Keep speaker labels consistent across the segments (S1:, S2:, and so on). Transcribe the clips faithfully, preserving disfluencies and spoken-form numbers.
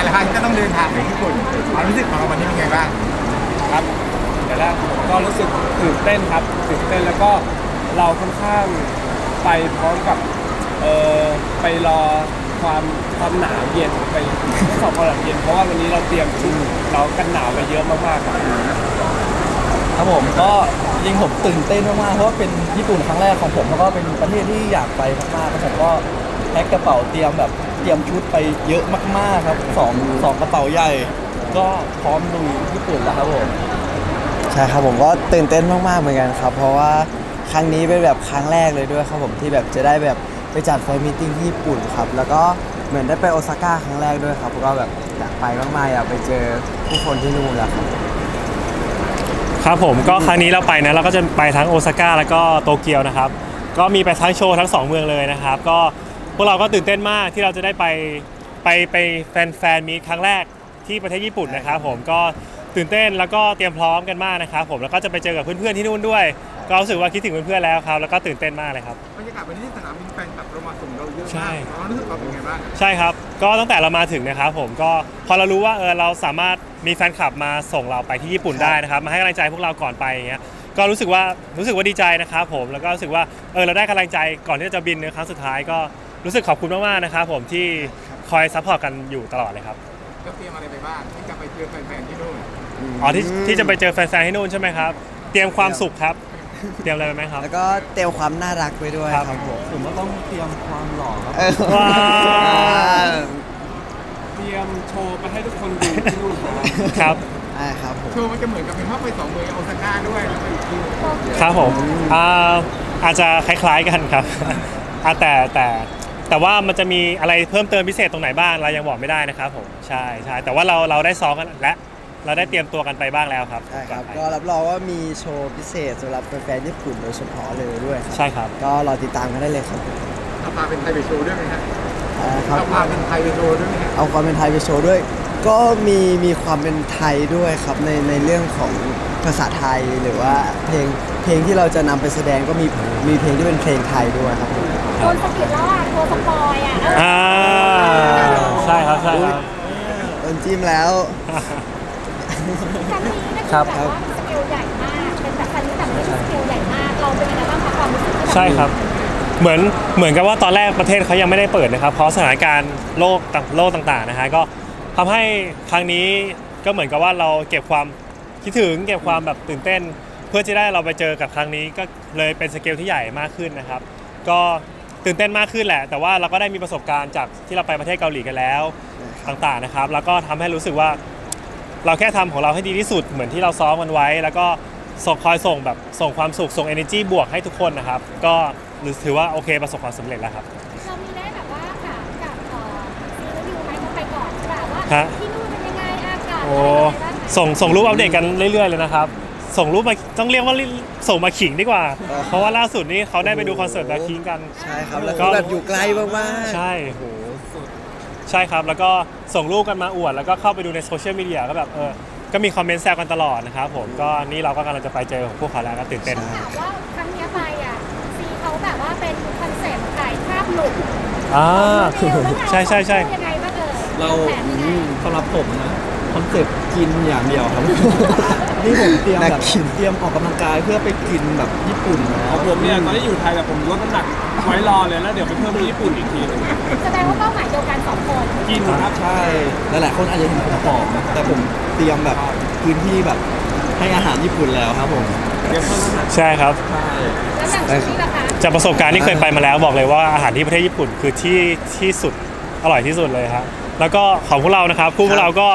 S1: ละครั้งก็ต้องเดินทางไปญี่ปุ่นความรู้สึกของเราวันนี้เป็นไงบ้าง
S2: ครับแต่แรกผมก็รู้สึกตื่นเต้นครับตื่นเต้นแล้วก็เราค่อนข้างไปพร้อมกับเออไปรอความความหนาวเย็นไปสอบความหนาวเย็นเพราะว่าวันนี้เราเตรียมชุดเรากันหนาวไปเยอะมากๆครับ
S3: ครับผมก็จริงผมตื่นเต้นมากๆเพราะว่าเป็นญี่ปุ่นครั้งแรกของผมแล้วก็เป็นประเทศที่อยากไปมากๆแล้วผมก็แพ็คกระเป๋าเตรียมแบบเตรียมชุดไปเยอะมากๆครับสองสองกระเป๋าใหญ่ก็พร้อมลุยญี่ปุ่นแล้วครับผม
S4: ใช่ครับผมก็ตื่นเต้นมากๆเหมือนกันครับเพราะว่าครั้งนี้เป็นแบบครั้งแรกเลยด้วยครับผมที่แบบจะได้แบบไปจัดแฟนมีตติ้งที่ญี่ปุ่นครับแล้วก็เหมือนได้ไปโอซาก้าครั้งแรกด้วยครับก็แบบอยากไปมากๆอยากไปเจอผู้คนที่นู่นแล้วครับ
S5: ครับผมก็ครั้งนี้เราไปนะเราก็จะไปทั้งโอซาก้าแล้วก็โตเกียวนะครับก็มีไปทั้งโชว์ทั้งสองเมืองเลยนะครับก็พวกเราก็ตื่นเต้นมากที่เราจะได้ไปไปไปแฟนแฟนมีครั้งแรกที่ประเทศญี่ปุ่นนะครับผมก็ตื่นเต้นแล้วก็เตรียมพร้อมกันมากนะครับผมแล้วก็จะไปเจอกับเพื่อนๆที่นู่นด้วยก็รู้สึกว่าคิดถึงเพื่อนๆแล้วครับแล้วก็ตื่นเต้นมากเลยครับ
S1: บรรยากาศวันนี้ที่สนามบินแฟนคลับเรามาส่งเราเยอะมากความรู้สึกเราเป็นไงบ้าง
S5: ใช่ครับก็ตั้งแต่เรามาถึงนะครับผมก็พอเรารู้ว่าเออเราสามารถมีแฟนคลับมาส่งเราไปที่ญี่ปุ่นได้นะครับมาให้กำลังใจพวกเราก่อนไปอย่างเงี้ยก็รู้สึกว่ารู้สึกว่าดีใจนะครับผมแล้วก็รู้สึกว่าเออเราได้กำลังใจก่อนที่จะบินในครั้งสุดท้ายก็รู้สึกขอบคุณมากๆนะครับผมที่คอยซัพพอร์ตกันอยู่ตลอดเลยครับ
S1: ก็เตรียมอะไรไปบ้างที่จะไปเจอแฟนๆที่นู่น
S5: อ๋อที่ที่จะไปเจอแฟนๆที่นู่นใช่ไหมครับเตรียมความสุขครับเตรียมอะไรไปไหมครับ
S4: แล้วก็เตรียมความน่ารักไปด้วยครับผม
S3: ผมก็ต้องเตรียมความหล่อครับ
S5: ว้าว
S2: เตรียมโชว์ไปให้ทุกคนดูที่นู่น
S5: ครับ
S4: ใช่ครับผม
S1: โชว์มันจะเหมือนกับเป็นภาพไปสองเมืองโอซาก้าด้วยแล้วก็อีกที่
S5: ครับผมอ่าอาจจะคล้ายๆกันครับอ่าแต่แต่แต่ว่ามันจะมีอะไรเพิ่มเติมพิเศษตรงไหนบ้างเรายังบอกไม่ได้นะครับผมใช่ใช่แต่ว่าเราเราได้ซ้อมกันและเราได้เตรียมตัวกันไปบ้างแล้วครับ
S4: ใช่ครับก็รับรองว่ามีโชว์พิเศษสำหรับแฟนๆญี่ปุ่นโดยเฉพาะเลยด้วย
S5: ใช่ครับ
S4: ก็รอติดตามกันได้เลยครับ
S1: เอาพาเป็นไทยไปโชว์ด้วยไหมครับ
S4: เอา
S1: พาเป็นไทยไปโชว์ด้วยไหมครับ
S4: เอาความเป็นไทยไปโชว์ด้วยก็มีมีความเป็นไทยด้วยครับในในเรื่องของภาษาไทยหรือว่าเพลงเพลงที่เราจะนำไปแสดงก็มีมีเพลงที่เป็นเพลงไทยด้วยครับ
S6: โดนสกิลแล้วอ่ะโดนสปอยอ่ะ
S5: อ่าใช่ครับใช่ครับ
S4: โดนจิ้มแล้ว
S6: ครั้งนี้ก็คือแบบว่าสเกลใหญ่มากเป็นแบบครั้งนี้แบบไม่ใช่สเกลใหญ่มากเราเป็นยังไงบ้างคะความรู้สึกที่แบบ
S5: ใช่ครับเหมือนเหมือนกับว่าตอนแรกประเทศเขายังไม่ได้เปิดนะครับเพราะสถานการณ์โลกโลกต่างๆนะฮะก็ทำให้ครั้งนี้ก็เหมือนกับว่าเราเก็บความคิดถึงเก็บความแบบตื่นเต้นเพื่อจะได้เราไปเจอกับครั้งนี้ก็เลยเป็นสเกลที่ใหญ่มากขึ้นนะครับก็ตื่นเต้นมากขึ้นแหละแต่ว่าเราก็ได้มีประสบการณ์จากที่เราไปประเทศเกาหลีกันแล้วต่างๆนะครับแล้วก็ทำให้รู้สึกว่าเราแค่ทำของเราให้ดีที่สุดเหมือนที่เราซ้อมกันไว้แล้วก็ส่งคอยส่งแบบส่งความสุขส่ง energy บวกให้ทุกคนนะครับก็ถือว่าโอเคประสบความสำเร็จแล้วครับ
S6: เรามีได้แบบว่าถามกับซีรีส์ไหมเขาไปก่อนใช่ป่ะว่าที่นู่นเป็นยังไงอากาศอะไรบ้าง
S5: ส่งส่งรูปอัปเดตกันเรื่อยๆเลยนะครับส่งรูปมาต้องเรียกว่าส่งมาขิงดีกว่าเพราะว่าล่าสุดนี้เขาได้ไปดูคอนเสิร์ตแบล็คพิงค์กัน
S4: ใช่ครับแล้วก็แบบอยู่ไกลมาก
S5: ๆใช่โหใช่ครับแล้วก็ส่งรูปกันมาอวดแล้วก็เข้าไปดูในโซเชียลมีเดียก็แบบเออก็มีคอมเมนต์แซวกันตลอดนะครับผมก็นี่เราก็กำลังจะไปเจอของพวกเขาแล้วก็ตื่นเต้น
S6: ถามว่าครั้งนี้ไปอ่ะซีเขาแบบว่าเป็นคอนเซ็ปต์ถ่ายภาพหลุด
S5: อ่าใช่ใช่ใช่
S6: ยังไงบ้างเออ
S3: เราสำหรับผมนะคอนเซ็ปต์กินอย่างเดียวครับนี่ผมเตรียมแบบเตรียมออกกำลังกายเพื่อไปกินแบบญี่ปุ่น
S2: ของผมเนี่ยตอนที่อยู่ไทยแบบผมลดน้ำหนักไว้รอเลยแล้วเดี๋ยวไปเพิ่มที่ญี่ปุ่นอีกทีนึง
S6: แสดงว่าเป้าหมายเดียวกันสองคน
S2: กินครับ
S3: ใช่หลายๆคนอาจจะเห็นผมผอมแต่ผมเตรียมแบบพื้นที่แบบให้อาหารญี่ปุ่นแล้วครับผม
S5: ใช่ครับ
S6: แล้วอย่างที่ราคา
S5: จากประสบการณ์ที่เคยไปมาแล้วบอกเลยว่าอาหารที่ประเทศญี่ปุ่นคือที่ที่สุดอร่อยที่สุดเลยครับแล้วก็ของพวกเรานะครับคู่พวกเราก็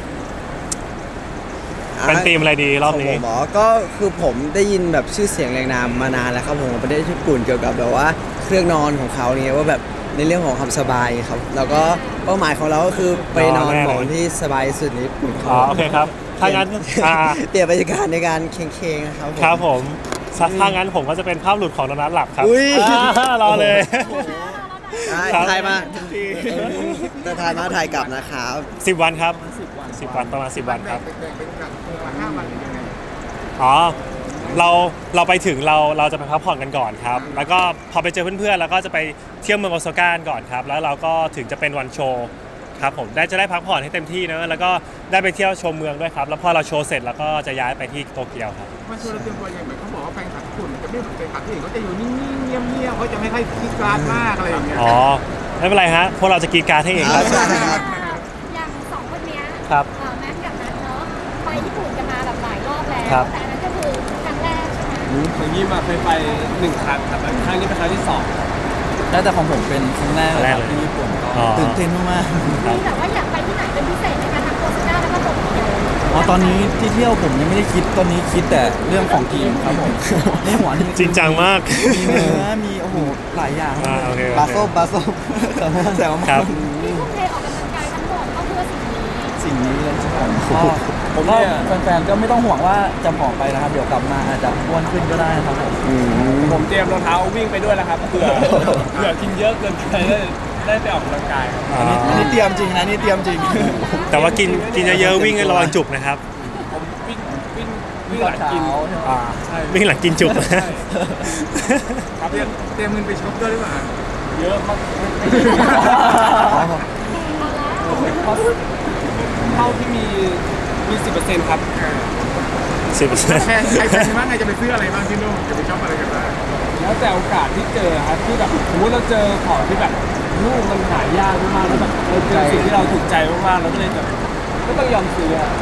S5: เป็นทีมอะไรดีรอบนี้
S4: หมอก็คือผมได้ยินแบบชื่อเสียงแรงนามมานานแล้วครับผมประเทศญี่ปุ่นเกี่ยวกับแบบว่าเครื่องนอนของเขาเนี่ยว่าแบบในเรื่องของความสบายครับแล้วก็เป้าหมายของเราก็คือไปนอนหมอนที่สบายสุดในญี่ปุ่น
S5: อ๋อโอเคครับถ้างั้น
S4: เตรียมบรรยากาศในการเค้งๆนะครับ
S5: ครับผมถ้างั้นผมก็จะเป็นภาพหลุดของโดนัทหลับครับรอเลย
S4: ถ่ายมาจะถ่ายมาถ่ายกลับนะครับ
S5: สิบวันครับสิบวันประมาณสิบวันครับอ๋อเราเราไปถึงเราเราจะไปพักผ่อนกันก่อนครับแล้วก็พอไปเจอเพื่อนๆแล้วก็จะไปเที่ยวเมืองโอซาก้าก่อนครับแล้วเราก็ถึงจะเป็นวันโชว์ครับผมได้จะได้พักผ่อนให้เต็มที่เนอะแล้วก็ได้ไปเที่ยวชมเมืองด้วยครับแล้วพอเราโชว์เสร็จแล้วก็จะย้ายไปที่โตเกียวครับ
S1: มันชวนเราเตรียมตัวยังไงเขาบอกว่าแฟนคลับญี่ปุ่นจะไม่เหมือนแฟนคลับที่อื่นเขาจะอยู่นิ่งๆเงียบๆเขาจะไม่ค่อยคิดกลาดมากอะไรอย่างเงี้ย
S5: อ๋อไม่เป็นไรฮะพวกเราจะกรีดกรารให้เองครับ
S6: อย่างสองคนเนี้ย
S5: ครับ
S6: เอ่อแม็กกับนัทเนาะไปญี่ปุ่นกันมาแบบหลายรอบแล้ว
S5: ครับ
S6: แต่อันนั้นก็คือครั้งแรกใช่ไหม
S2: อย่างนี้มาเคยไปหนึ่งครั้งครับครั้งนี้เป็นครั้งที่สอง
S3: แล้วแต่ของผมเป็นครั้งแรกเลยครับ
S5: ครั้งแรกเลย
S3: ที่ญี่ปุ่นก็
S5: อ๋อ
S3: ตื่นเต้นมาก
S6: มีแบบว่าอยากไปที่ไหนเป็นพิเศษในการทำโฆษณาแล้วก็โปรโมท
S3: ๆอ๋อตอนนี้ที่เที่ยวผมยังไม่ได้คิดตอนนี้คิดแต่เรื่องของกินครับผมในหัวนี่
S5: จริงจังมาก
S3: มีเนื้อมีโอ้โหหลายอย่าง
S5: อ่าโอเค
S4: บาโซบาโซ
S3: แต่ว่า
S5: ครับ
S6: ที่ทุ่มเทออกกำลังกายทั้งหมดก็เพื่อสิ่งนี้
S3: สิ่งนี้เลยครับผมก็ผมก็แฟนๆก็ไม่ต้องห่วงว่าจะผอมไปนะครับ เดี๋ยวกลับมาอาจจะอ้วนขึ้นก็ได้ครับผม
S2: ผมเตรียมรองเท้าวิ่งไปด้วยแล้วครับเผื่อเผื่อกินเยอะเกินไปได้ได้ไปออกกำลังกายครับ
S3: อันนี้อันนี้เตรียมจริงนะนี่เตรียมจริง
S5: แต่ว่ากินกินเยอะๆวิ่งระวังจุกนะครับ
S2: ผมวิ่งวิ่งวิ่งหลังกิน
S5: อ่า
S2: ใช่
S5: วิ่งหลังกินจุก
S2: ใช่
S1: ครับเตรียมเตรียมเงินไปช็อปด้วยหรือเปล่า
S2: เยอะมากเพราะเท่าที่มีมีสิบเปอร์เซ็นต์ครับ
S5: สิบเปอร์เซ็นต์
S1: แฟนใครแฟนบ้างไงจะไปซื้ออะไรบ้างที่นู่นจะไปช็อปอะไรกันบ้าง
S2: แล้วแต่โอกาสที่เจอครับที่แบบสมมติเราเจอของที่แบบลูกมันหายากมากๆแล้วแบบเราเจอสิ่งที่เราถูกใจมากๆเราก็เลยแบบก็ต้องยอมซื้ออะ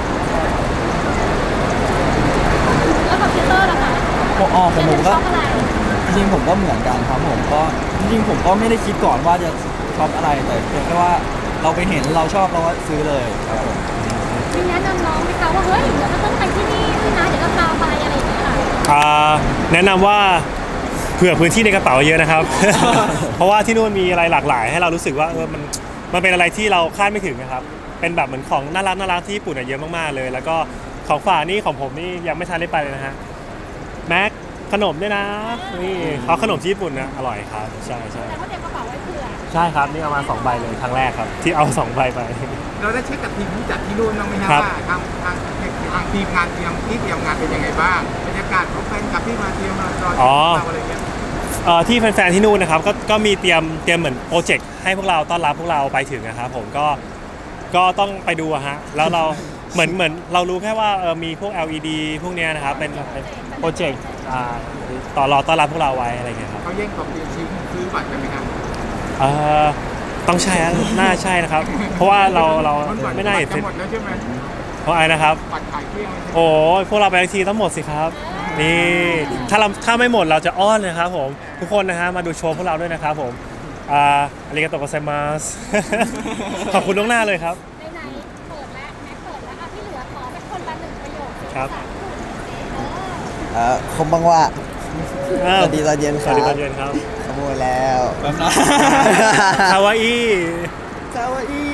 S6: แล้วกับพีเตอร์ล่ะคะ
S3: ผมอ๋อผมผมก็
S6: ชอบอะไร
S3: จริงๆผมก็เหมือนกันครับผมก็จริงๆผมก็ไม่ได้คิดก่อนว่าจะชอบอะไรแต่เพียงแค่ว่าเราไปเห็นเราชอบเราก็ซื้อเลยครับผม
S6: มีแนะนำน้องไหมคะว่าเฮ้ยเดี๋ยวเราต้องไปที่นี่ด้วยนะเดี๋ยวเราพาไปอะไรอย่างเงี้ยค่ะ
S5: อ่าแนะนำว่าเผื่อพื้นที่ในกระเป๋าเยอะนะครับ เพราะว่าที่นู่นมีอะไรหลากหลาย ให้เรารู้สึกว่าเออมันมันเป็นอะไรที่เราคาดไม่ถึงนะครับ เป็นแบบเหมือนของน่ารักน่ารักที่ญี่ปุ่นอะเยอะมากๆเลย แล้วก็ของฝากนี่ของผมนี่ยังไม่ทันได้ไปเลยนะฮะแม็กขนมด้วยนะนี่เขาขนมที่ญี่ปุ่นนะอร่อยครับใช่ใช่
S6: แต่ว่าเตรียมกระเป๋าไว้เผื่อ
S5: ใช่ครับนี่เอามาสองใบเลยครั้งแรกครับ ที่เอาสองใบไป
S1: เราได้เช็คกับทีมที่จัดที่นู่นบ้างไหมฮะ
S5: ครับ
S1: ว่าทางทางทางทีมงานเตรียมที่เตรียมงานเป็นยังไงบ้างบรรยากาศของแฟนคลับที่มาเตรียมมารอติดตามเราอะไรเงี้ย
S5: เอ่อที่แฟนๆที่นู่นนะครับก็ก็มีเตรียมเตรียมเหมือนโปรเจกต์ให้พวกเราต้อนรับพวกเราไปถึงนะครับผมก็ก็ต้องไปดูอะฮะแล้วเราเหมือนเหมือนเรารู้แค่ว่าเออมีพวก แอล อี ดี พวกเนี้ยนะครับเป็นเป็นโปรเจกต์อ่าต่อรอต้อนรับพวกเราไว้อะไรเงี้ยครับ
S1: เขาแย่งของเตรียมชิ้นซื้อบัตรกันไหมครับ
S5: เอ่อต้องใช่ฮะน่าใช่นะครับ เพราะว่าเราเรา
S1: นบัต
S5: ไม่น่าเห็น
S1: บัตรจะหมดแล้วใช่ไหม
S5: เพราะอะไรนะครับ
S1: บัตรขายเกลี้ยงเลย
S5: โอ้ยพวกเราไปทั้งทีต้องหมดสิครับนี่ถ้าเราถ้าไม่หมดเราจะอ้อนนะครับผมทุกคนนะฮะมาดูโชว์พวกเราด้วยนะครับผมอ่าอาริกาโตะโกไซมัส ขอบคุณล่วงหน้าเลยครับ
S6: ไหนๆเปิดแล้วแม็กเปิดแล้วอ่ะที่เหลือขอเป็นคนละหนึ่งประโยค
S5: ครับ
S6: เออ
S4: เอ่อคมบังว่าสวัสดีตอนเย็นค
S5: ส
S4: รั
S5: วั
S4: บ
S5: สดีตอนเย็นครับ
S4: ขโมยแล้ว
S3: แบบนั้น
S5: คาวาอิ
S3: คาวาอิ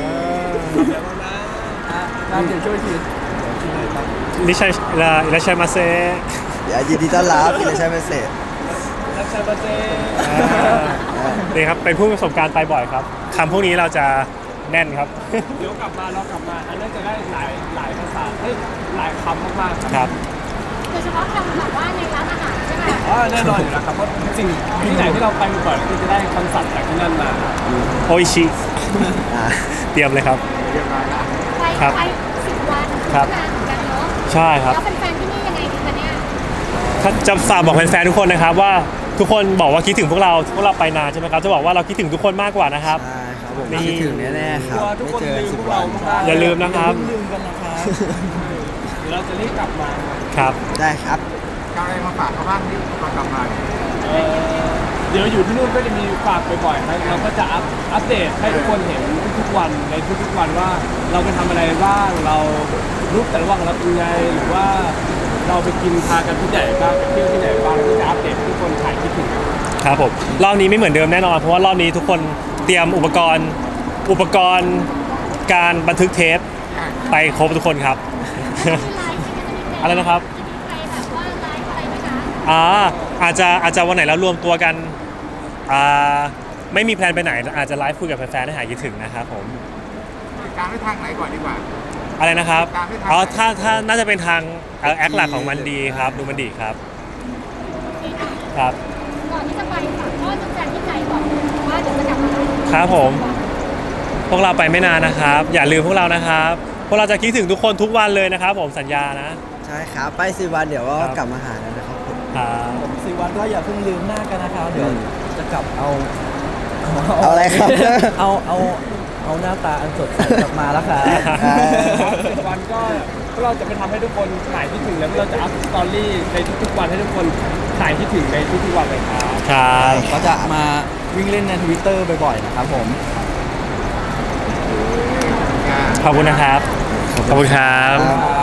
S3: งานเดี๋ยวช่วยที
S5: ลิชัยลาลิชัยมาเซ
S4: อย่ายินดีต้อนรับอิเลชัยเมสเซจ
S2: รักชาบาเซ่
S5: นี่ครับเป็นผู้ประสบการณ์ไปบ่อยครับคำพวกนี้เราจะแน่นครับ
S2: เดี๋ยวกลับมาเรากลับมาอันนั้นจะได้หลายหลายภาษาเฮ้ยหลายคำมากๆ
S5: ครับ
S6: โดยเฉพาะคำแบบว่าในร้านอาหารใช่ไหม
S2: อ๋อแน่นอนอยู่แล้วครับเพราะสิ่งที่ไหนที่เราไปบ่อยๆก็จะได้คำศัพท์จากที่นั่นมา
S5: โออิชิ
S4: อ่า
S5: เตรียมเลยครับ
S6: ไป
S5: ครับ
S6: ไปสิบวัน
S5: ครับ
S6: นานเหมือนกันเนาะ
S5: ใช่ครับ
S6: แล้วแฟนๆที่นี่ยังไงดีคะเนี่ย
S5: ถ้าจะฝากบอกแฟนๆทุกคนนะครับว่าทุกคนบอกว่าคิดถึงพวกเราพวกเราไปนานใช่ไหมครับจะบอกว่าเราคิดถึงทุกคนมากกว่านะครับ
S4: ใช่ครับผม
S5: นี่
S4: คิดถึงแน่ๆครับ
S2: ทุก
S4: ไม่
S2: คน
S4: เจอ
S2: ลืม
S4: สิ
S2: พ
S4: บ
S2: วก
S4: วั
S2: เรา
S4: น
S2: มากๆ
S5: อย่าลืมนะครับ
S3: ลืมกันนะครับ
S2: เดี๋ยวเราจะรีบกลับมา
S5: ครับ
S4: ได้ครับ
S1: จะเอาอะไรมาฝากเขาบ้างที่ตอนกลับมา
S2: เอ่อเดี๋ยวอยู่ที่นู่นก็จะมีฝากบ่อยๆครับเราก็จะอัพอัปเดตให้ทุกคนเห็นทุกๆวันในทุกๆวันว่าเราไปทำอะไรบ้างเรารูปแต่ละวันเราเป็นไงหรือว่าเราไปกินพากันที่ไหนบ้างไปเที่ยวที่ไหนบ้างก็จะอัปเดตให้ทุกคนถ่ายคิดถึงกัน
S5: ครับผมรอบนี้ไม่เหมือนเดิมแน่นอนเพราะว่ารอบนี้ทุกคนเตรียมอุปกรณ์อุปกรณ์การบันทึกเทปไปครบทุกคนครับ
S6: มีไลฟ์ไหมคะจะมีแฟ
S5: อะไรนะครับ
S6: จะมีใครแบบว่าไลฟ์อะไรไหมคะ
S5: อ่าอาจจะอาจจะวันไหนเรารวมตัวกันอ่าไม่มีแพลนไปไหนอาจจะไลฟ์คุยกับแฟนๆให้หายคิดถึงนะครับผม
S1: ติดตามได้ทางไหนก่อนดีกว่า
S5: อะไรนะครับ
S1: ตามได้ทาง
S5: อ๋อถ้าถ้าน่าจะเป็นทางเอ่อแอคหลักของมันดีครับดูมันดีครับครับ
S6: ก่อนที่จะไปฝากพ่อแฟนๆที่ใจก่อนว่าเดี๋ยวจะกลับมา
S5: ครับผม
S6: ค
S5: พวกเราไปไม่นานนะครับ อย่าลืมพวกเรานะครับ พวกเราจะคิดถึงทุกคนทุกวันเลยนะครับผมสัญญานะ
S4: ใช่ครับไปสิวันเดี๋ยวก็
S5: ครับ
S4: กลับมาหาแล้วนะครับผม
S5: ครับ
S3: ผมสี่วันก็อย่าเพิ่งลืมหน้ากันนะครับเดี๋ยวจะกลับเอา
S4: เอาอะไรครับ
S3: เอาเอาเอาหน้าตาอันสดใสกลับมาแล้วครับ
S4: อ่า
S2: สิบวันก็พวกเราจะไปทำให้ทุกคนหายคิดถึงแล้วพวกเราจะอัพสตอรี่ในทุกๆวันให้ทุกคนหายคิดถึงในทุกๆวันเลยครับ
S5: ครับ
S3: ก็จะมาวิ่งเล่นในทวิตเตอร์บ่อยๆนะครับผม
S5: ขอบคุณนะครับ ขอบคุณครับ
S4: ครับ